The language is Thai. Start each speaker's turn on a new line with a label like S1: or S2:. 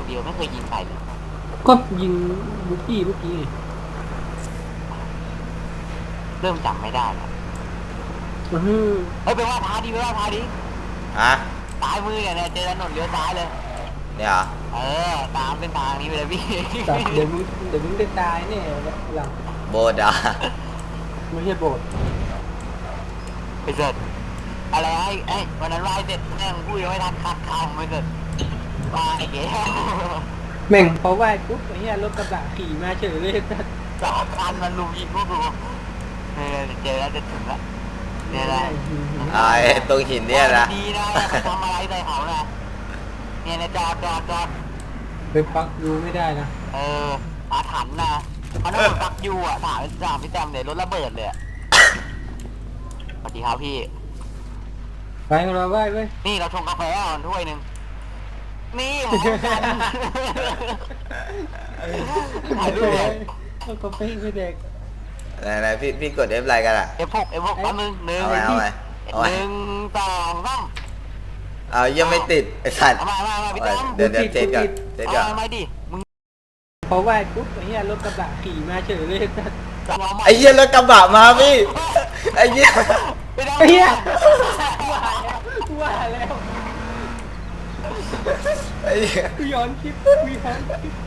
S1: เดียวไม่เคยยิงใครเลย
S2: ก็ยิงบุกกี้เมื่อกี้ไง
S1: เริ่มจำไม่ได้แล้ว
S2: อื้อหือ
S1: เฮ้ยไปว่าท้าดีไปว่าท้าดี
S3: ฮะ
S1: ซ้ายมือเนี่ยเจอถนนเลี้ยวซ้ายเลย
S3: เนี่ยเหรอ
S1: เออตามเส้นทางนี้ไปเลยพี่
S2: แต่เดี๋ยวมึงได้ตายเนี่ยหลัง
S3: โบดอ่ะ
S2: ไม่ใช่โบสถ์
S1: ไปเสร็จอะไรไอ้วันนั้นไหว้เสร็จแม่งพูดยังไม่ทันคัดคำไปเสร็จไหว้เก๋
S2: แม่งพอไหว้ปุ๊บไอ้เหี้ยรถกระบะขี่มาเฉยเลย
S1: สองคันมันลุมยิงพวกกูเนี่ยเจอแล้วจะถึงแล้วเนี่ยแหละ
S3: ไอ้ตรงหินเนี่ยนะ
S1: ดีนะไปทำอะไรใส่เขานะเนี่ยนะจอด
S2: ไปปักดูไม่ได้นะ
S1: เอออาถรรพ์นะมันต้องเหมือนปักยูอ่ะถามพี่แต้มเลยรถระเบิดเลยสวัสดีครับพี่
S2: ไปเราไหว้เว้ย
S1: นี่เราชงกาแฟอ่อนถ้วยหนึ่งนี่เหมือนกันถ่ายรูปเลย
S2: เอากาแฟไปเด็ก
S3: ไหนพี่กด F อะไรกันอ่ะ
S1: F6 แป๊บนึงหนึ่ง
S3: เอาไว้
S1: หนึ่งสองสาม
S3: เอายังไม่ติดไอ้สัตว์
S1: เอามาพี่แต้ม
S3: เดี๋ยวเทสก่อน
S1: เอามาดิมึง
S2: พอไหว้ปุ๊บไอ้เหี้ยรถกระบะขี่มาเฉยเลย
S1: เอามา
S3: ไอ้เหี้ยรถกระบะมาพี่ไอ้เหี้ย
S1: ไม่ได้
S2: ไอ้เหี้ยว่าแล้ว
S3: ไอ้เหี้ย
S2: กูย้อนคลิปกูย้อนคลิป